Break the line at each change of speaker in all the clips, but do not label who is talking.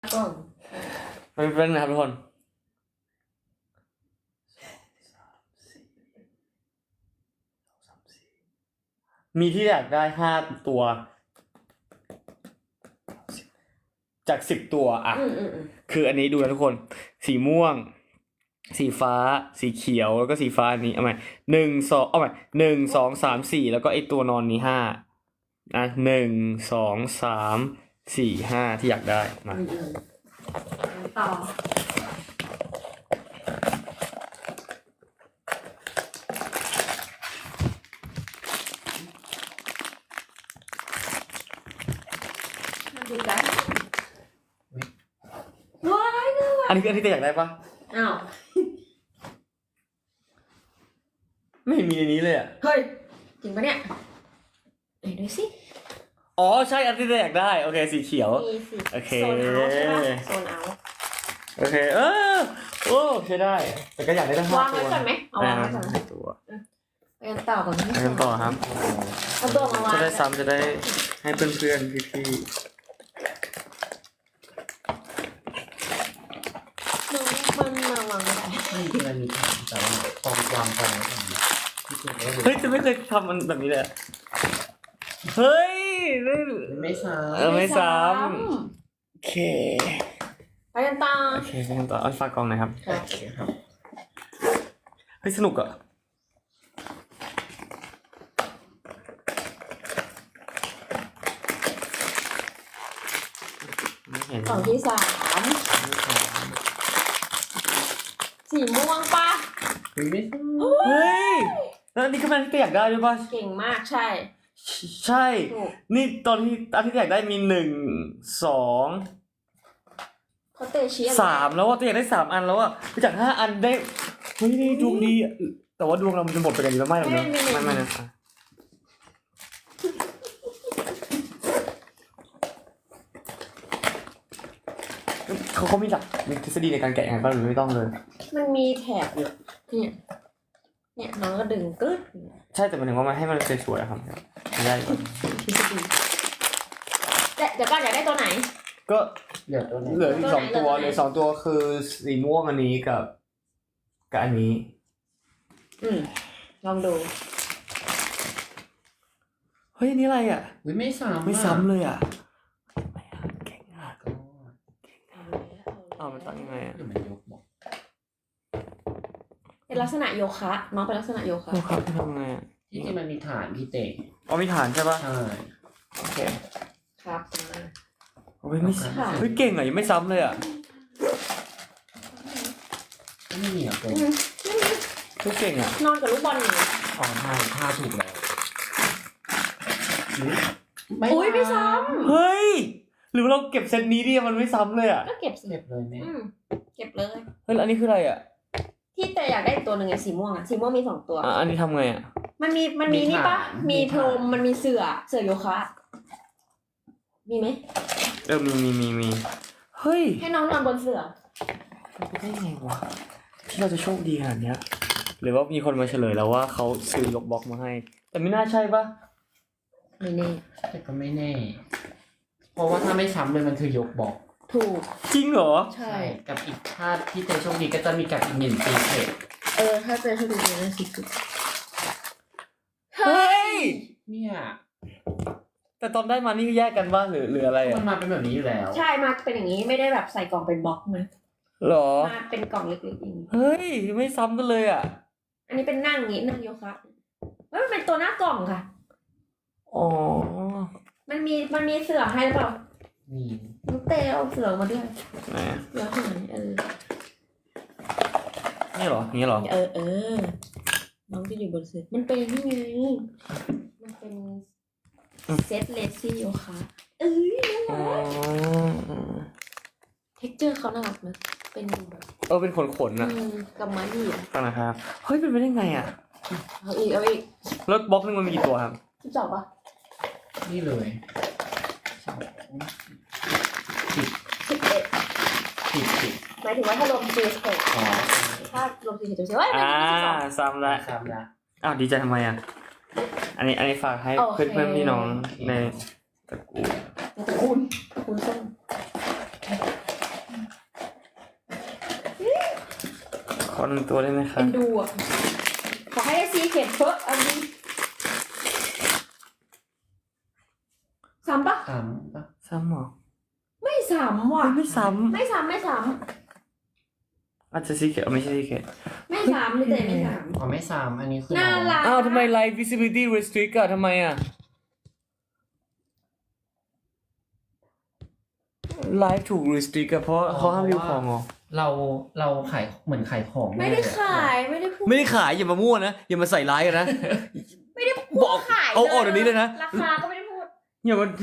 ก่อน
มันเป็นนะครับทุกคนมีที่อยากได้5 ตัวจาก10 ตัวอ่ะคืออันนี้ดูนะทุกคนสีม่วงสีฟ้าสีเขียวแล้วก็สีฟ้าอันนี้เอาใหม่1 2 3 4แล้วก็ไอตัวนอนนี้5นะ1 2 3 4 5ที่อยากได้มา
ต่อดูกันว้ายน่ารัก
อันนี้คืออันที่อยากได้ปะ
อ้าว
ไม่มีในนี้เลยอ่ะ
เฮ้ยจริงปะเนี่ยไหนดูสิ
อ๋อใช่อันที่อยากได้โอเคสีเขียว
มีสิ
โอเค
โซนเอาใช่ปะโซนเอา
โอเคโอ้ใช่ได้แต่ก็อยากได้ทั้ง5 ตัว
วางไว้ก่อนไหมเอาวางไว้ก่อนไหม
ตัว
ไปกันต่อก่อน
ไปกันต่อครับ
เอาตัวมาวาง
จะได้ซ้ำจะได้ให้เพื่อนๆพี่
มันมาวางไม่ได้
ไม่จริงมันมีฐานแต่ว่าพอวางไปแล้ว
เฮ้ยจะไม่เคยทำมันแบบนี้เลยเฮ้ย
ไม่ซ้
ไม่ซ้ำโอเค
ไปกันต่อ
โอเคไปกันต่อเอาฝากกองหน่อยครับ
โอเคครับ
เฮ้ยสนุกอ่ะ
กล่องที่3สีม่วงปะ
ไม่
เฮ้ยแล้วอันนี้ก็มันที่อยากได้ด้วยป่ะ
เก่งมากใช่
ใช่นี่ตอนที่อันที่อยากได้มี1 2
เขาเตะชี้
3แล้วว่าตัวอยากได้3 อันแล้วอ่ะไปจาก5 อันได้เฮ้ยนี่ดวงดีแต่ว่าดวงเรามันจะหมดไปกันอยู่แล้วไม่หรอกเนอะไม่นะเขามีหลักมีทฤษฎีในการแกะยังไงบ้างหรือไม่ต้องเลย
มันมีแถบอยู่เนี่ยน้องก็ดึงกึ๊ด
ใช่แต่หมายถึงว่ามันให้มันสวยๆครับไม่ได้ก่อน
ทฤษฎีเดี๋ยวก็อยากได้ตัวไหน
ก็
เหลือตัวไหน
เหลืออีก2 ตัวเหลือ2 ตัวคือสีม่วงอันนี้กับอันนี้
ลองดู
เฮ้ยอันนี้อะไรอ่ะ
ไม่
ซ้ำเลยอ่ะเก่งอ่ะมันตั้งยังไงอ่ะ
มันยกบอก
เป็นลักษณะโยคะน้องเป็นลักษณะโยคะ
ทำไงอ่ะ
ที่จริงมันมีฐานพี่เตะ
มีฐานใช่ป่ะ
ใช่
โอเค
ครับ
ไม่เฮ้ยเก่งอ่ะยังไม่ซ้ำเลยอ่ะ
ไม่มีอ่ะตัว
เก่งอ่ะ
นอนกับลูกบอลอยู่
อ๋อท่าถูกแล้ว
อุ้ยไม่ซ้
ำเฮ้ยหรือเราเก็บเซตนี้ดิมันไม่ซ้ำเลยอ่ะ
ก็เก็บ
เลยแม่
เก็บเลย
เฮ้ยอันนี้คืออะไรอ่ะ
ที่แต่อยากได้ตัวหนึ่งไงสีม่วงอ่ะสีม่วงมี2 ตัว
อันนี้ทำไงอ่ะ
มันมีนี่ปะมีพรมมันมีเสือโยคะมีไหม
มีเฮ้ย
ให้น้องนอนบนเสือ
มันได้ไงวะที่เราจะโชคดีขนาดเนี้ยหรือว่ามีคนมาเฉลยแล้วว่าเขาซื้อยกบล็อกมาให้แต่ไม่น่าใช่ปะ
ไม่แน่
แต่ก็ไม่แน่เพราะว่าถ้าไม่ซ้ำเลยมันคือยกบอก
ถูก
จริงเหรอ
ใช่
กับอีกถ้าที่เจอโชคดีก็จะมีกับอีก1 ซีเคร็ต
ถ้าเจอโชคดีนะซีเคร็ต
เฮ้ย
เนี่ย
แต่ตอนได้มานี่แยกกันบ้างหรืออะไรอ่ะ
มันมาเป็นแบบนี้อยู่แล้ว
ใช่มาเป็นอย่างนี้ไม่ได้แบบใส่กล่องเป็นบล็อกนะ
หรอ
มาเป็นกล่องเล็กๆอย่างนี้
เฮ้ยไม่ซ้ำกันเลยอ่ะ
อันนี้เป็นนั่งอย่างนี้นั่งโยคะมันเป็นตัวหน้ากล่องค่ะ
อ๋อ
มันมีเสือให้หรือเปล่า
มี
น้องเตเอาเสือมาด้วย
ไหน
เสือหาย
นี่เหรอนี่เหรอ
น้องจะอยู่บนเสือมันเป็นนี่ไงมันเป็นเซตเลซี่โยคะน่ารักเท็กเจอร์เขาน่ารักนะเป็นแบบ
เป็นขนๆนะ
กำมะหยี่
ฟังนะครับเฮ้ยเป็นไปได้ไงอ่ะ
เอาอีก
รถบล็อกนึงมันมีกี่ตัวครับ
12ป่ะ
นี่เลย
หมายถึงว่าถ้ารวมซีสเต็ปถ้ารวมซีสเต็ปจะว่า
ซ้ำละอ้าวดีใจทำไมอ่ะอันนี้ฝากให้เพื่อนพี่น้องในตระกูล
ส้ม
อ1ตัวได้ไหมครั
เป็
บ
นดูอ่ะขอให้ได้ซีเค็ดเพิ่มอันนี้ซ้ำปะ
3ปะ
ซ้ำเหรอ
ไม่ซ้ำว่ะ
ไม่ซ้
ไม่ซ้ำไม่ซ้
ำอาจจะซีเกตไม่ใช่ซีเกต
ำไม่ซ้ำเลยแต่ไม่ซ้
อ๋อไม่3อันนี้คือ
ำน่ารัก
อ้าวทำไม live visibility restrict อะทำไมอะ live ถูก restrict อะเพราะเขาห้ามรีวิวของเหรอ
เราขายเหมือนขายของ
ไม่ได้ขายไม่ได้พูด
ไม่ได้ขายอย่ามามั่วนะอย่ามาใส่ร้ายกันนะ
ไม่ได้พูด
บอก
ขาย
เอาออกเดี๋ยวนี้เลยนะ
ราคาก็ไม่ได้พูด
อย่ามา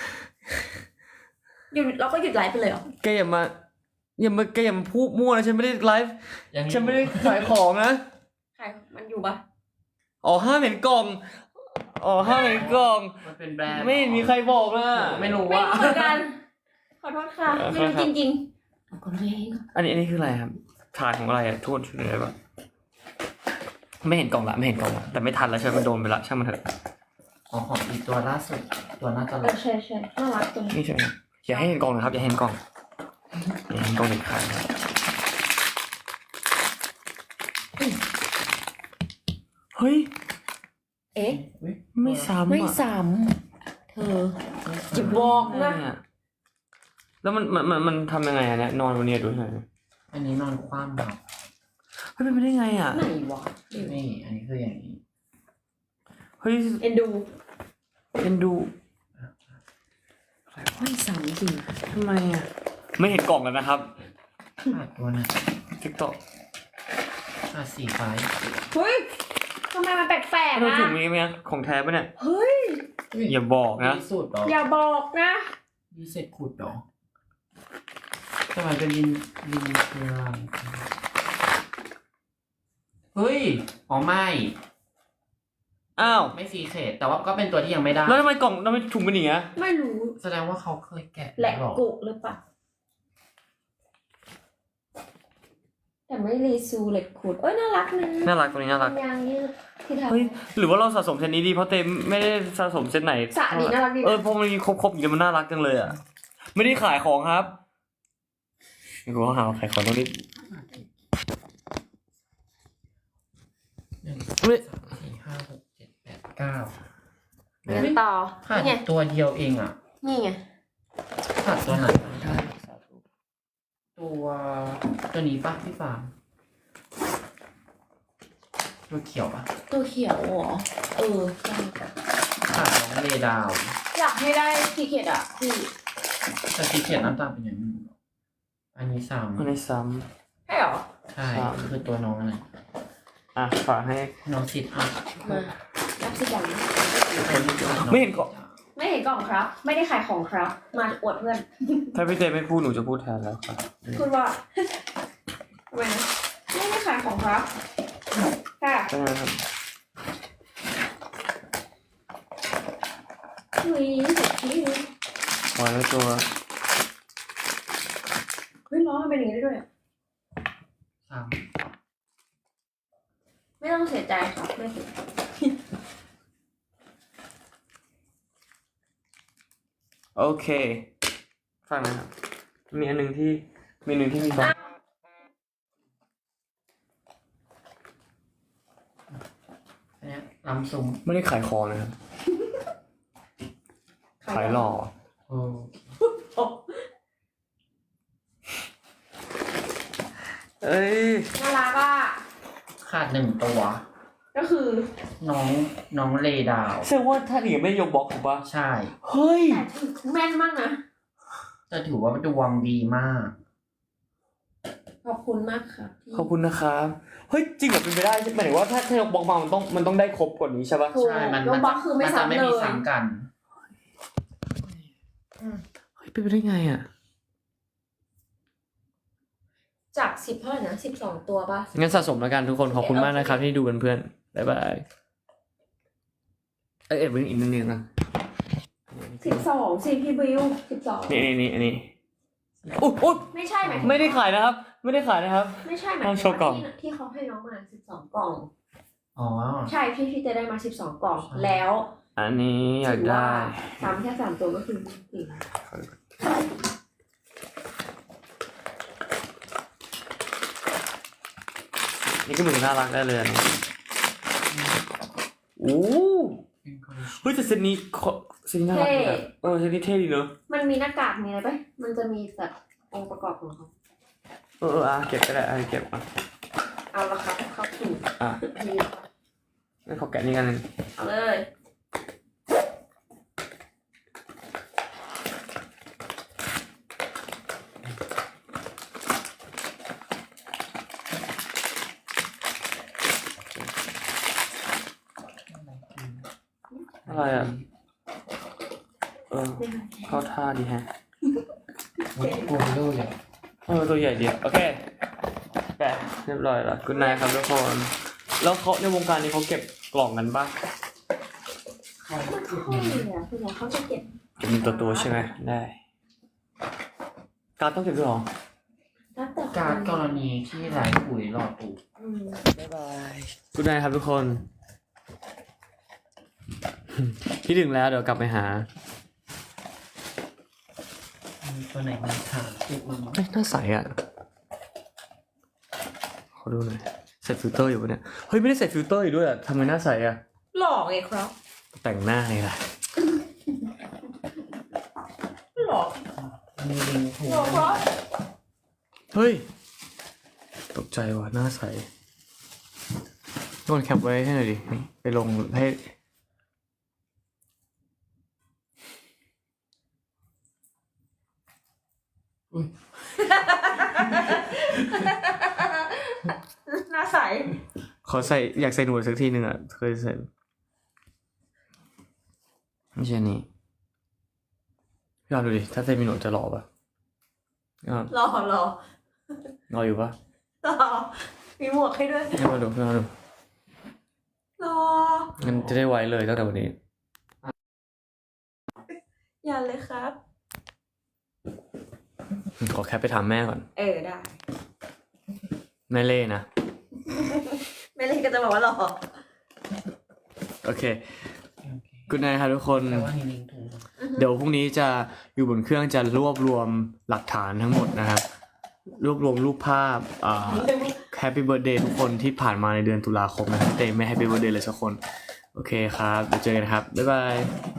หยุดเราก็หยุดไลฟ์ไปเลยเหรอ
แกอย่ามาพูดมั่วนะฉันไม่ได้ไลฟ์
ยัง
ฉันไม่ได้ขายของนะ
ขายมันอยู่ปะ
อ๋อห้ามเห็นกล่องอ๋อห้ามเห็นกล่อง
มันเป็นแบรนด์
ไม่มีใครบอกนะ
ไม่รู้
ไม่
ว่า
รู้เหมือนกัน ขอโทษค่ะ ไม่รู้จริงๆเอาก่อนเลย
อันนี้คืออะไรครับถาดของอะไรอะโทษช่วยหน่อยได้ปะไม่เห็นกล่องละไม่เห็นกล่องละแต่ไม่ทันแล้วใช่ไหมมันโดนไปละช่างมันเถอะ
อ๋อของอีกตัวล่าสุดตัวน่าจะ
ใช่ใช่น่ารักตรงนี้
นี่ใช่ไหมอย่าให้เห็นกล่องนะครับอย่าให้เห็นกล่องอย่าให้เห็นกล่องเด็ดขาดนะเฮ้ย
เอ๊ะ
ไม่ซ้ำ
ไม่
อ่ะ
ซ้ำเธอจะบอกนะ
แล้วมันทำยังไงอะเนี่ยนอนบนเนี้ยดูหน่อย
อันนี้นอนคว่ำแบบ
เฮ้ยเป็นไปได้ไงอ่ะ
ไหนวะ
นี่อันนี้คืออย่างนี้
เฮ้ย
เอ็นดู
เอ็นดู
ไม่ซ้ำจริง
ทำไมอ่ะไม่เห็นกล่องแล้วนะครับ
ขาดตัวน่ะ
ทิกตอก
ขาดสีฟ้า
เฮ้ยทำไมมันแปลก
เรา
ๆ
ถุ
นะ
งนี้ไหมของแท้ปะเนี่ย
เฮ้ย
อย่าบอกนะ
สูตรหรอ
อย่าบอกนะ
มีเศษขุดหรอทำไมเป็นลินคืออะไรเฮ้ยอ๋อไม่
อ้าว
ไม่ซีเคทแต่ว่าก็เป็นตัวที่ยังไม่ได้
แล้วทำไมกล่องทำไมถุงเป็นอย่างเงี้ย
ไม่รู้
แสดงว่าเขาเคยแกะ
แหลก
หรอ
กุหรือเปล่าแต่ไม่รีซูเหล็กขูดเอ้ยน่ารักนะ
น่ารักตัวนี้น่ารัก
ยางยืดที่ทำ
เฮ้ยหรือว่าเราสะสมเซตนี้ดีเพราะเต็มไม่ได้สะสมเซตไหน
สะดีน่ารักดี
เพราะมันมีครบอย่างเงี้ยมันน่ารักจังเลยอ่ะไม่ได้ขายของครับไม่รู้ว่าหาขายของตรงนี้
1
เฮ้ย
2 3 4 5 6 7 8 9
งั้นต่อ
ขาด
นี่ไง
ตัวเดียวเองอ่ะ
นี่ไง
ขาดตัวไหนตัวนี้ป่ะพี่ฟาร์มตัวเขียวป่ะ
ตัวเขียวเหรอเออใช่
ขาดน้องเลดาว
อยากให้ได้ซีเค็ดอ่ะพี่
แต่สีเขียวน้ำตาลเป็นอย่างนี้อันนี้ซ้
มันในซ้
ใช่เหรอ
ำใช่คือตัวน้องอะไร
ำฝากให้
น้องซิดอัพ
มารับสิจัง
ไม่เห็นกล่อง
ไม่เห็นกล่องครับ ไม่ได้ขายของครับ มาอวดเพื่อน
ถ้าพี่เจไม่พูดหนูจะพูดแทนแล้วครับ
พูดว่าทำไมนะไม่ได้ขายของครับค่ะ
ใช่ไหมครับ
เฮ้ยสุดที่
วางไว้ตัว
เฮ้ยล้อมันเป็นอย่างนี้ได้ด้วยอะ
ซ้
ไม่ต้องเสียใจครับไม่เสีย
โอเคฟังนะครับมีอันหนึ่งที่มีบล็อก
ำอันเนี้ยลำซุ้ม
ไม่ได้ขายของนะครับขายหล่อ
โอ้
โอ้
เอ้ย
น่ารักอ่ะ
ขาด1ตัว
ก็คือ
น้องเลดาว
แสดงว่าถ้าหนีไม่ยกบล็อกถูกปะ
ใช่
เฮ้ย
แต่ถือแม่นมากนะ
จะถือว่าดวงดีมาก
ขอบคุณมากครับพี่
ขอบคุณนะครับเฮ้ยจริงเหรอเป็นไปได้หมายถึงว่าถ้ายกบล็อกมามันต้องได้ครบกว่านี้ใช่ปะ
ถูก
ใช่มัน
ยกบล็อกคือไม่
จะ
ซ้ำ
ไม่
เล
มี
ย
ซ้ำกัน
เฮ้ยเป็นไปได้ไงอ่ะ
จาก10เท่าไหร่นะ12ตัวป่ะ
งั้นสะสมแล้วกันทุกคนขอบคุณมากนะครับที่ดูกันเพื่อนบ๊ายบายเอ็ดเพิ่งอีกนิดนึงนะ
12สิพี่บิว12
นี่อันนี้อุ๊ย
ไม่ใช่ไหม
ไม่ได้ขายนะครับ ไม่ได้ขายนะครับ
ไม่ใช่ไหม
ต้องโชว์กล่อง
ที่เขาให้น้องมา12กล่อง
อ๋อ
ใช่พี่จะได้มา12กล่อง
ใช่
แล้ว
อันนี้อยากได้
ซ้ำแค่3ตัวก็คือ4
นี่ก็เหมือนน่ารักได้เลยนะโอ้
เป็นคอลเลคชัน
เฮ้ยแต่เซตนี้เซตนี้น่ารักดีอะเซตนี้เท่ดีเนอะ
มันมีหน้ากากมีอะไรปะมันจะมีแบบองค์ประกอบของเขา
เก็บก็ได้เก็บอ่ะ
เอาละครับเข้าสู่
อ่ะ
นี่
งั้นขอแกะนี่กันหนึ่ง
เอาเลย
อะไรอ่ะเข้าท่าดีแฮะ
โอ้ยโกลโด้เลย
ตัวใหญ่ดีโอเคแกะเรียบร้อยแล้วคุณนายครับทุกคนแล้วเขาในวงการนี้เขาเก็บกล่องกันปะ
เขา
ไม่ค่อยเลยอ่ะคือเขาจะเก็บ
เก็บเป็นตัวใช่ไหมได้การดต้องเก็บด้วยเหรอ
แล้วแต่
การกรณีที่ไหลปุ๋ยหลอดปุ๋ย
บ๊ายบายคุณนายครับทุกคน พี่ถึงแล้วเดี๋ยวกลับไปหา
มีตัวไหนมาถามติดมาไหม
เฮ้ยหน้าใสอ่ะขอดูหน่อยใส่ฟิลเตอร์อยู่ปะเนี่ยเฮ้ยไม่ได้ใส่ฟิลเตอร์อยู่ด้วยอ่ะทำไมหน้าใสอ่ะ
หลอกไงครับ
แต่งหน้าไงล่ะ
หลอก
มีลิงก์ถูก
หลอกครับ
เฮ้ยตกใจว่ะหน้าใสโดนแคปไว้ให้หน่อยดิไปลงให้
หน้าใส
ขอใส่อยากใส่หนวดสักทีหนึ่งอ่ะเคยใส่ไม่ใช่นี่พี่ลองดูดิถ้าใส่มีหนวดจะหล่อปะพี่ลอง
หลอก
หล่ออยู่ปะ
หลอกมีหมวกให้ด้วย
ให้มาดูให้มาดู
หลอก
งั้นจะได้ไวเลยตั้งแต่วันนี้
อย่าเลยครับ
ขอแคปไปถามแม่ก่อน
ได้
แม่เล่นะ
ไม่เล่นก็จะบอกว่าหลอก
โอเค
โอเค
คุณนายครับทุกคน
แต่ว่ามีลิงก์ถูก
เดี๋ยวพรุ่งนี้จะอยู่บนเครื่องจะรวบรวมหลักฐานทั้งหมดนะครับ รวบรวมรูปภาพแฮปปี้เบิร์ดเดย์ทุกคนที่ผ่านมาในเดือนตุลาคมนะครับแต่ไม่แฮปปี้เบิร์ดเดย์เลยสักคน โอเคครับเดี๋ยวเจอกันครับ บ๊ายบาย